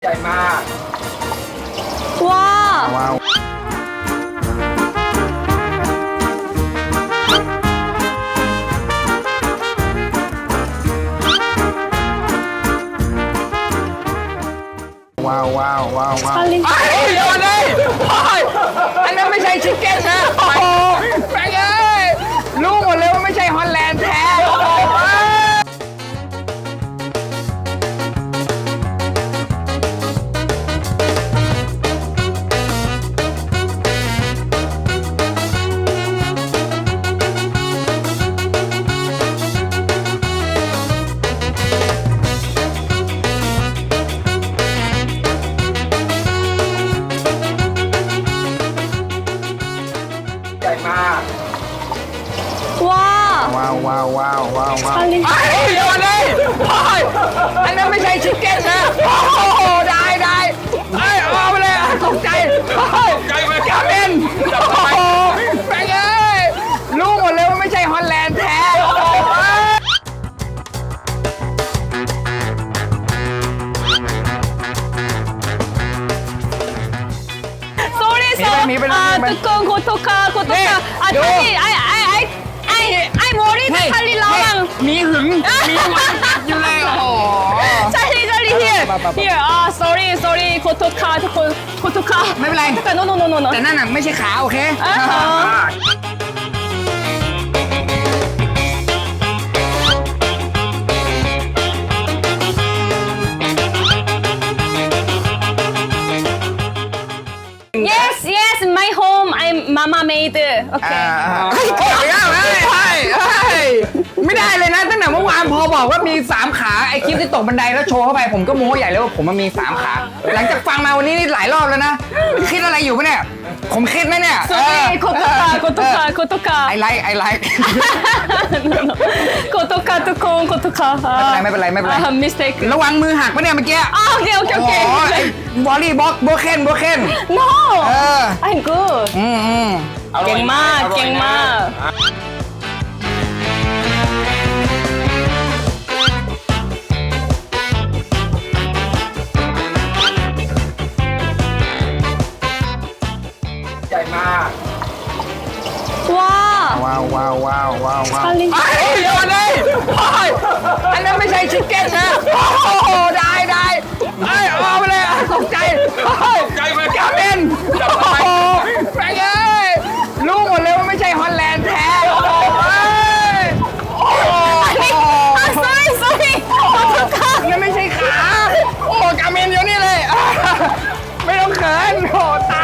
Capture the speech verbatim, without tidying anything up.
ใหญ่มากว้าว้าวว้าวว้าวว้าวว้าว 찰리 ไอ้เดี๋ยวเลยอันนั้นไม่ใช่ชิคเก้นนะโอ้โหแฟงเอ้ยรู้หมดเลยว่าไม่ใช่ฮอลแลนด์แท้โอ้โหใหญ่มากว้าว้าวว้าวว้าวว้าวว้าว 찰리 ไอ้เดี๋ยวเลยอันนั้นไม่ใช่ชิคเก้นนะโอ้โหได้ได้ไอ้เอาไปเลยตกใจใจมากาเมนโอ้โหแฟงเอ้ยรู้หมดเลยว่าไม่ใช่ฮอลแลนด์แท้โอ้โห 쏘리 쏘 미벨, 미벨, 아 미벨. 뜨거운 고토카 네, 고토카 아 요. 찰리 아이 아이 아이 아이 아이 머리 찰리 나랑 มีหึงมีหวังอยู่เลยโอ้โห 찰리 찰리 here 봐, 봐, 봐. here 아 sorry sorry 고토카 고 고토카 ไม่เป็นไร 고토카 no no no no no แต่นั่นน่ะไม่ใช่ขาโอเคอ่าฮะ yes yes my home I'm mama made โอเคเฮ้ยเฮ้ยเฮ้ยเฮ้ยเฮ้ยไม่ได้เลยนะตั้งแต่เมื่อวานพอบอกว่ามีสามขาไอคลิปที่ตกบันไดแล้วโชว์เข้าไปผมก็โม้ใหญ่เลยว่าผมมันมีสามขาหลังจากฟังมาวันนี้นี่หลายรอบแล้วนะคิดอะไรอยู่ปะเนี่ยผมคิดไหมเนี่ย sorry 고토카 고토카 고토카 ไอไลค์ไอไลค์ 고토카 뜨거운 고토카 ไม่เป็นไรไม่เป็นไรไม่เป็นไร mistake ระวังมือหักปะเนี่ยเมื่อกี้ 아 오케이 오케이 โอ้โหไอ้ 오케이 บอลลี่บล็อกโบเคนโบเคน no เออ I'm good อืมอืมเก่งมากเก่งมากใหญ่มากว้าว้าวว้าวว้าวว้าวว้าว 찰리 ไอ้เดี๋ยวเลยอันนั้นไม่ใช่ชิคเก้นนะโอ้โหได้ได้ไอ้เอาไปเลยตกใจใจมากาเมนโอ้โหแฟงเอ้ยรู้หมดเลยว่าไม่ใช่ฮอลแลนด์แท้โอ้โหโอ้โห 아 sorry sorry 고토카 นั่นไม่ใช่ขาโอ้กาเมนอยู่นี่เลยไม่ต้องเขินโอ้ตา